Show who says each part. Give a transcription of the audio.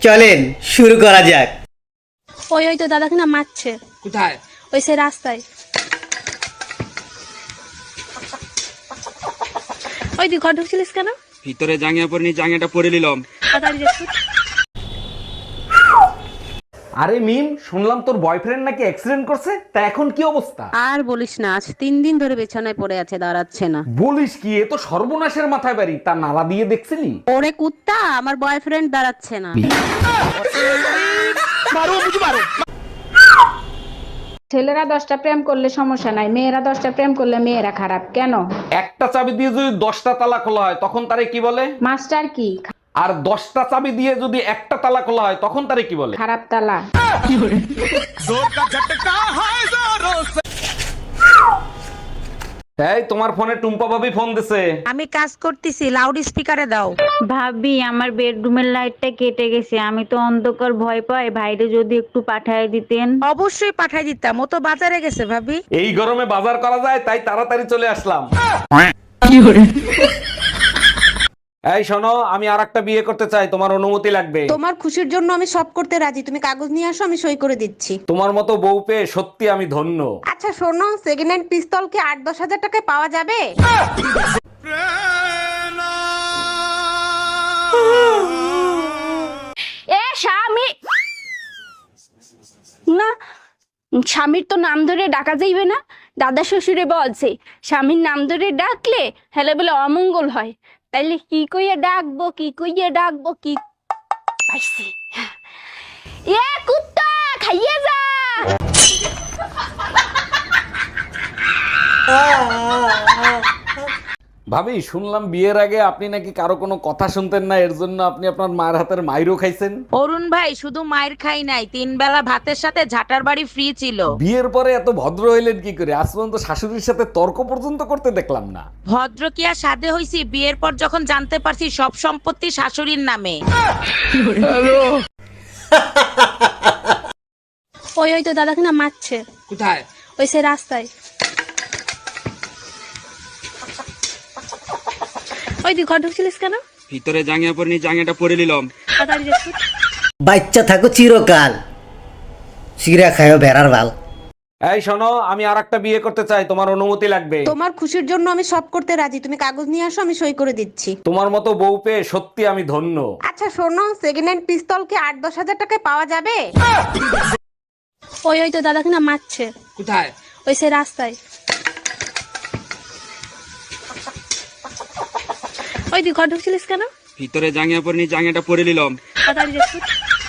Speaker 1: চলেন শুরু করা যাক।
Speaker 2: ওই তো দাদাকে না মারছে।
Speaker 3: কোথায়?
Speaker 2: ওই সে রাস্তায়। ওই তুই ঘর ঢুকছিলিস কেন?
Speaker 3: ভিতরে জাঙ্গিয়া পরিনি, জাঙ্গিয়াটা পরে নিলাম।
Speaker 2: তাড়াতাড়ি যাস।
Speaker 4: আরে মিম, শুনলাম তোর বয়ফ্রেন্ড নাকি অ্যাক্সিডেন্ট করছে, তা এখন কি অবস্থা?
Speaker 5: আর বলিস না, আজ 3 দিন ধরে বিছানায় পড়ে আছে, দাঁড়াচ্ছে না।
Speaker 4: বলিস কি, এ তো সর্বনাশের মাথায় বাড়ি। তা নালা দিয়ে দেখছিলি?
Speaker 5: ওরে কুত্তা, আমার বয়ফ্রেন্ড দাঁড়াচ্ছে না।
Speaker 6: ছেলেরা 10টা প্রেম করলে সমস্যা নাই, মেয়েরা 10টা প্রেম করলে মেয়েরা খারাপ কেন?
Speaker 4: একটা চাবি দিয়ে যদি 10টা তালা খোলা হয় তখন তারে কি বলে?
Speaker 6: মাস্টার কি?
Speaker 4: আর 10টা চাবি দিয়ে যদি একটা তালা খোলা হয় তখন তারে কি বলে?
Speaker 6: খারাপ তালা।
Speaker 4: এই তোমার ফোনে টুম্পা ভাবি ফোন দিছে।
Speaker 7: আমি কাজ করতেছি, লাউড স্পিকারে দাও।
Speaker 8: ভাবি, আমার বেডরুমের লাইটটা কেটে গেছে, আমি তো অন্ধকার ভয় পাই, ভাইরে যদি একটু পাঠায় দিতেন।
Speaker 7: অবশ্যই পাঠাই দিতাম, ও তো বাজারে গেছে ভাবি।
Speaker 4: এই গরমে বাজার করা যায় তাই তাড়াতাড়ি চলে আসলাম। এই শোনো, আমি আরেকটা বিয়ে করতে চাই, তোমার অনুমতি লাগবে।
Speaker 2: তোমার খুশির জন্য আমি সব করতে রাজি, তুমি কাগজ নিয়ে আসো, আমি সই করে দিচ্ছি।
Speaker 4: তোমার মতো বউ পেয়ে সত্যি আমি ধন্য।
Speaker 2: আচ্ছা শোনো, সেকেন্ড হ্যান্ড পিস্তল কি 8-10 হাজার টাকায় পাওয়া যাবে?
Speaker 9: এ স্বামী না, স্বামীর তো নাম ধরে ডাকা যাইবে না। দাদা শ্বশুরে বলছে স্বামীর নাম ধরে ডাকলে হেলে বলে অমঙ্গল হয়। তাইলে কি কইয়া ডাকবো, কি কইয়া ডাকবো, কি পাইছি। এ কুত্তা খাইয়ে যা।
Speaker 4: ভাবি, শুনলাম বিয়ের আগে আপনি নাকি কারো কোনো কথা শুনতেন না, এর জন্য আপনি আপনার মায়ের হাতের মাইরও খাইছেন।
Speaker 7: অরুণ ভাই, শুধু মায়ের খাই নাই, 3 বেলা ভাতের সাথে ঝাটার বাড়ি ফ্রি ছিল।
Speaker 4: বিয়ের পরে এত ভদ্র হইলেন কি করে? আজ পর্যন্ত শাশুড়ির সাথে তর্ক পর্যন্ত করতে দেখলাম না।
Speaker 7: ভদ্র কি আর সাধে হইছি, বিয়ের পর যখন জানতে পারছি সব সম্পত্তি শাশুড়ির নামে।
Speaker 2: ওই তো দাদাকে না মারছে।
Speaker 3: কোথায়?
Speaker 2: ওই সে রাস্তায়। ওই তুই ঘর ঢুকছিলিস কেন?
Speaker 3: ভিতরে জাঙ্গিয়া পরিনি, জাঙ্গিয়াটা পরে নিলাম।
Speaker 2: তাড়াতাড়ি যাস।
Speaker 1: বাচ্চা থাকো চিরকাল, চিরা খায়ও ভেড়ার ভাল।
Speaker 4: এই শোনো, আমি আরেকটা বিয়ে করতে চাই, তোমার অনুমতি লাগবে।
Speaker 2: তোমার খুশির জন্য আমি সব করতে রাজি, তুমি কাগজ নিয়ে আসো, আমি সই করে দিচ্ছি।
Speaker 4: তোমার মতো বউ পেয়ে সত্যি আমি ধন্য।
Speaker 2: আচ্ছা শোনো, সেকেন্ড হ্যান্ড পিস্তল কি 8-10 হাজার টাকায় পাওয়া যাবে? ওই তো দাদাকে না মারছে।
Speaker 3: কোথায়?
Speaker 2: ওই সে রাস্তায়। ওই তুই ঘর ঢুকছিলিস কেন?
Speaker 3: ভিতরে জাঙ্গিয়া পরিনি, জাঙ্গিয়াটা পরে নিলাম।
Speaker 2: তাড়াতাড়ি যাস।